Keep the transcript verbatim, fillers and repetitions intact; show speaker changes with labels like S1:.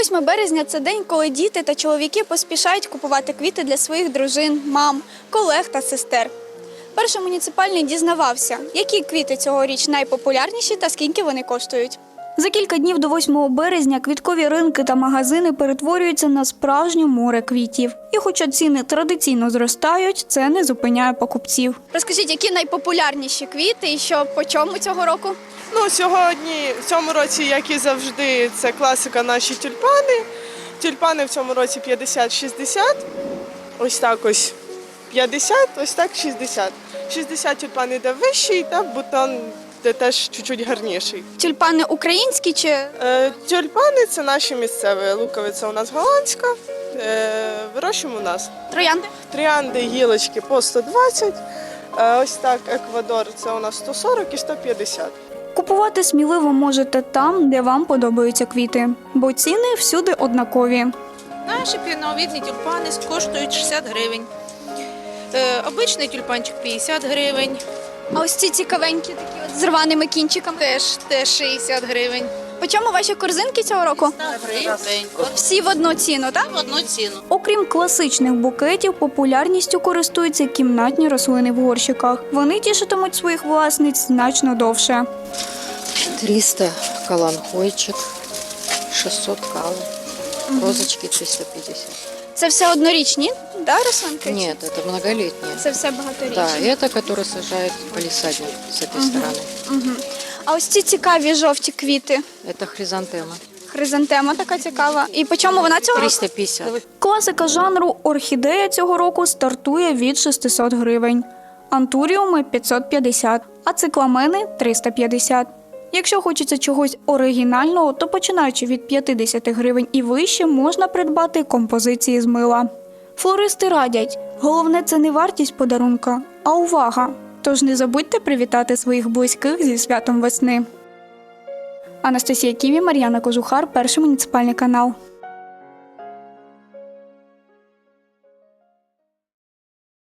S1: восьме березня – це день, коли діти та чоловіки поспішають купувати квіти для своїх дружин, мам, колег та сестер. Перший муніципальний дізнавався, які квіти цьогоріч найпопулярніші та скільки вони коштують. За кілька днів до восьмого березня квіткові ринки та магазини перетворюються на справжнє море квітів. І хоча ціни традиційно зростають, це не зупиняє покупців. Розкажіть, які найпопулярніші квіти і що по чому цього року?
S2: Ну, сьогодні, в цьому році, як і завжди, це класика наші тюльпани. Тюльпани в цьому році п'ятдесят-шістдесят. Ось так ось п'ятдесят, ось так шістдесят. шістдесят тюльпан іде вищий, та бутон де теж чуть-чуть гарніший.
S1: Тюльпани українські чи?
S2: Е, тюльпани – це наші місцеві. Луковиця у нас голландська, е, вирощуємо у нас.
S1: Троянди?
S2: Троянди, гілочки по сто двадцять. Е, ось так Еквадор – це у нас сто сорок і сто п'ятдесят.
S1: Купувати сміливо можете там, де вам подобаються квіти, бо ціни всюди однакові.
S3: Наші піновидні тюльпани коштують шістдесят гривень. Е, обичний тюльпанчик п'ятдесят гривень.
S1: А ось ці цікавенькі такі от з рваними кінчиками?
S3: Теж, теж шістдесят гривень.
S1: По чому ваші корзинки цього року?
S3: Гривень.
S1: Всі в одну ціну, так?
S3: В одну ціну.
S1: Окрім класичних букетів, популярністю користуються кімнатні рослини в горщиках. Вони тішитимуть своїх власниць значно довше.
S4: триста каланхойчик, шестьсот кал, розочки триста пятьдесят.
S1: Це все однорічні, да, рослинки?
S4: Нет, это многолетние.
S1: Це все багаторічні.
S4: Да, это который сажает палисадник с этой стороны.
S1: Угу. А ось ці цікаві жовті квіти.
S4: Это хризантема.
S1: Хризантема така цікава. І по чому вона цього року?
S4: триста пятьдесят.
S1: Класика жанру орхідея цього року стартує від шістсот гривень. Антуріуми – п'ятсот п'ятдесят, а цикламени – триста п'ятдесят. Якщо хочеться чогось оригінального, то починаючи від п'ятдесят гривень і вище можна придбати композиції з мила. Флористи радять, головне – це не вартість подарунка, а увага. Тож не забудьте привітати своїх близьких зі святом весни. Анастасія Ківі, Мар'яна Кожухар, Перший муніципальний канал.